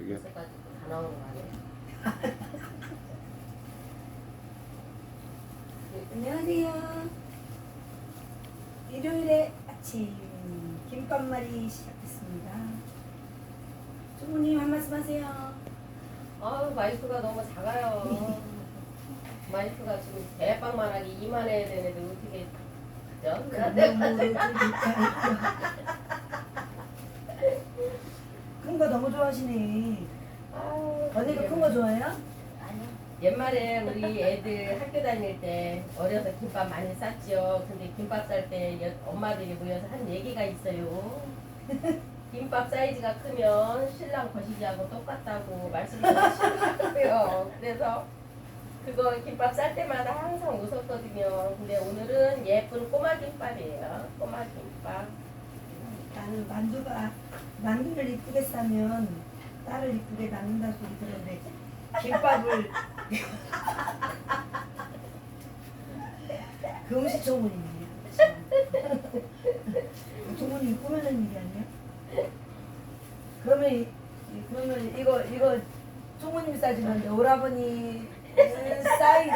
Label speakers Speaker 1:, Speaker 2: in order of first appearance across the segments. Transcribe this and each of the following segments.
Speaker 1: 그게.
Speaker 2: 그래가지고 다 나오는 거 아니에요?
Speaker 3: 안녕하세요. 일요일에 아침 김밥말이 시작했습니다. 주부님 한 말씀 하세요.
Speaker 2: 아유 마이크가 너무 작아요. 마이크가 지금 대빵만하게 이만해야 되는데 어떻게 그죠?
Speaker 3: 큰 거 너무 좋아하시네.
Speaker 2: 아유,
Speaker 3: 언니도 큰 거 좋아해요?
Speaker 2: 아니요. 옛말에 우리 애들 학교 다닐 때 어려서 김밥 많이 쌌지요. 근데 김밥 쌀 때 엄마들이 모여서 한 얘기가 있어요. 김밥 사이즈가 크면 신랑 거시기하고 똑같다고 말씀하시더라고요. 그래서 그거 김밥 쌀 때마다 항상 웃었거든요. 근데 오늘은 예쁜 꼬마 김밥이에요. 꼬마 김밥.
Speaker 3: 나는 만두를 이쁘게 싸면 딸을 이쁘게 낳는다 소리 들었는데 김밥을 그 음식 조문이네요. 조문이 꾸며낸 일이 아니야? 그러면 이거 조문님이 싸주는데 오라버니 사이즈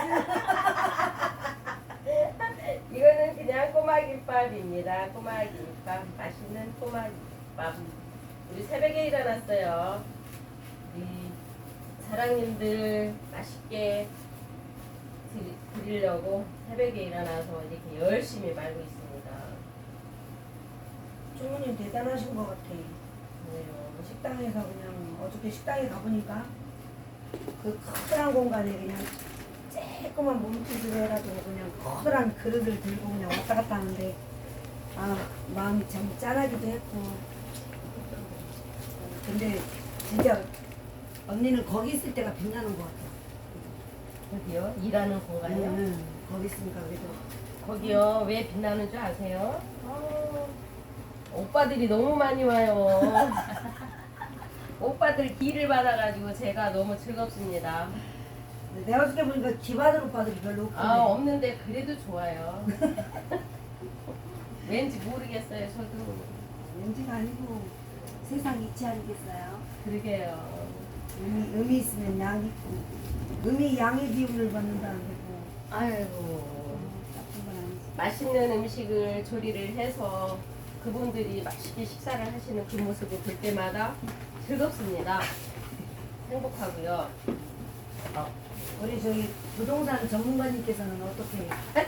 Speaker 2: 이거는 그냥 꼬마 김밥입니다. 꼬마 김밥. 맛있는 꼬마 김밥. 우리 새벽에 일어났어요. 우리 사랑님들 맛있게 드리려고 새벽에 일어나서 이렇게 열심히 말고 있습니다.
Speaker 3: 조문님 대단하신 것 같아.
Speaker 2: 그래요.
Speaker 3: 식당에서 그냥 어저께 식당에 가보니까 그 커다란 공간에 그냥 조그만 몸짓을 해가지고 그냥 커다란 그릇을 들고 그냥 왔다 갔다 하는데 마음이 참 짠하기도 했고 근데 진짜 언니는 거기 있을 때가 빛나는 것 같아.
Speaker 2: 어디요? 일하는 공간이요?
Speaker 3: 거기 있으니까 그래도
Speaker 2: 거기요. 왜 빛나는 줄 아세요? 오빠들이 너무 많이 와요. 오빠들 기를 받아가지고 제가 너무 즐겁습니다.
Speaker 3: 내가 어저께 보니까 기받을 오빠들이 별로 없고
Speaker 2: 없는데 그래도 좋아요. 왠지 모르겠어요. 저도.
Speaker 3: 왠지가 아니고 세상 이치 아니겠어요?
Speaker 2: 그러게요.
Speaker 3: 음이 있으면 양이 있고 음이 양의 기운을 받는다는 거고
Speaker 2: 아이고.
Speaker 3: 나쁜 건 아니지.
Speaker 2: 맛있는 음식을 조리를 해서 그분들이 맛있게 식사를 하시는 그 모습을 볼 때마다 즐겁습니다. 행복하고요.
Speaker 3: 우리 저기 부동산 전문가님께서는 어떻게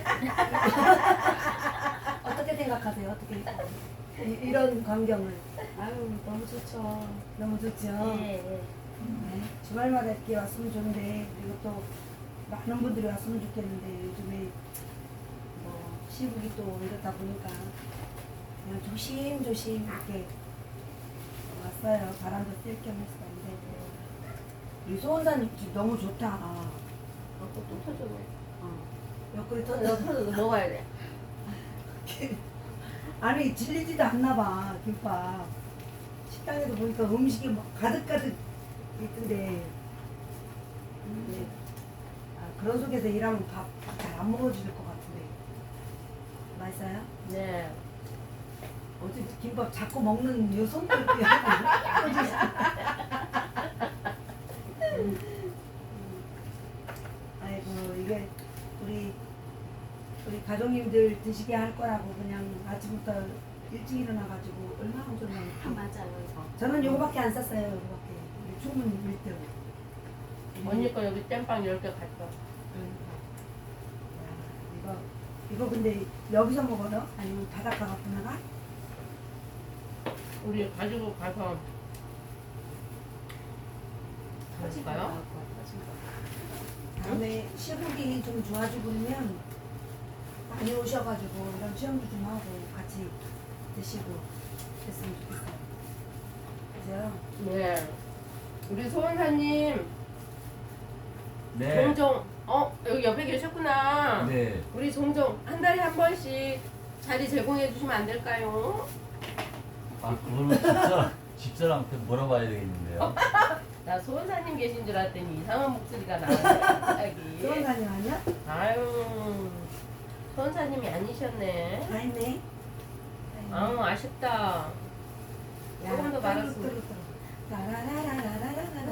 Speaker 3: 어떻게 생각하세요? 어떻게 이런 광경을
Speaker 2: 아유 너무 좋죠.
Speaker 3: 너무 좋죠.
Speaker 2: 예.
Speaker 3: 네, 주말마다 이렇게 왔으면 좋은데 그리고 또 많은 분들이 왔으면 좋겠는데 요즘에 뭐 시국이 또 이렇다 보니까 그냥 조심조심 이렇게 왔어요. 바람도 쐴 겸 해서. 근데 우리 소원사님 집 너무 좋다.
Speaker 2: 또 터져.
Speaker 3: 옆구리
Speaker 2: 너
Speaker 3: 터져.
Speaker 2: 터져도 먹어야 돼.
Speaker 3: 아니 질리지도 않나 봐 김밥. 식당에도 보니까 음식이 막 가득가득 있던데. 네. 그런 속에서 일하면 밥 잘 안 먹어줄 것 같은데. 맛있어요?
Speaker 2: 네.
Speaker 3: 어제 김밥 자꾸 먹는 요 손톱이 하고 아이고 이게 우리 가족님들 드시게 할 거라고 그냥 아침부터 일찍 일어나가지고 얼마나 좋나.
Speaker 2: 맞아요.
Speaker 3: 저는 요거밖에 안 쌌어요. 요거밖에. 우리 충분히 밀대로.
Speaker 2: 언니 거 여기 땜빵 10개 갔어.
Speaker 3: 이거 근데 여기서 먹어요? 아니면 바닷가 갖고 나가?
Speaker 2: 우리 가지고 가서 가실까요?
Speaker 3: 다음에 시국이 좀 좋아지고 그러면 많이 오셔가지고 이런 체험도 좀 하고 같이 드시고 그랬으면 좋겠어요. 그죠?
Speaker 2: 네. 우리 소원사님
Speaker 1: 네.
Speaker 2: 종종 여기 옆에 계셨구나.
Speaker 1: 네.
Speaker 2: 우리 종종 한 달에 한 번씩 자리 제공해 주시면 안 될까요?
Speaker 1: 그거는 집사람한테 물어봐야 되겠는데요.
Speaker 2: 나 소원사님 계신 줄 알았더니 이상한 목소리가 나와요. 갑자기.
Speaker 3: 소원사님 아니야?
Speaker 2: 아유 소원사님이 아니셨네.
Speaker 3: 다 했네.
Speaker 2: 아쉽다. 조금 더 말았으면.
Speaker 3: 라라라라라라라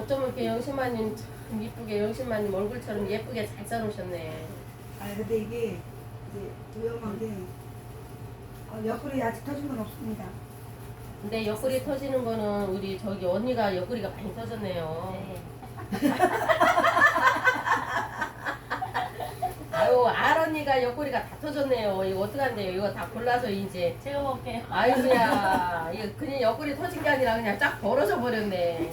Speaker 2: 어쩜 이렇게 영신마님 참 이쁘게 영신마님 얼굴처럼 예쁘게 잘 싸놓으셨네.
Speaker 3: 아 근데 이게 이제 위험한 게 옆구리 아직 터진 건 없습니다.
Speaker 2: 근데 옆구리 터지는 거는 우리 저기 언니가 옆구리가 많이 터졌네요. 아유 알언니가 옆구리가 다 터졌네요. 이거 어떡한데요? 이거 다 골라서 이제
Speaker 4: 제가 먹을게요.
Speaker 2: 아이고야 이거 그냥 옆구리 터진 게 아니라 그냥 쫙 벌어져 버렸네.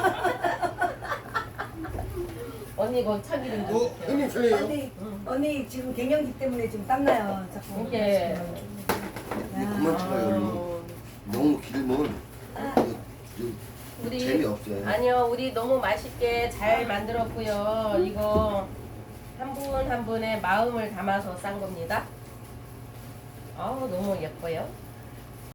Speaker 2: 언니 이거 참기름 좀 주세요.
Speaker 5: 형님 저예요.
Speaker 3: 언니 지금 갱년기 때문에 지금 땀나요. 자꾸.
Speaker 2: 이게
Speaker 5: 그만 찍어요.
Speaker 2: 어,
Speaker 5: 너무 길면
Speaker 2: 우리
Speaker 5: 재미없어요.
Speaker 2: 아니요 우리 너무 맛있게 잘 만들었고요. 이거 한 분 한 분의 마음을 담아서 싼 겁니다. 아우 너무 예뻐요.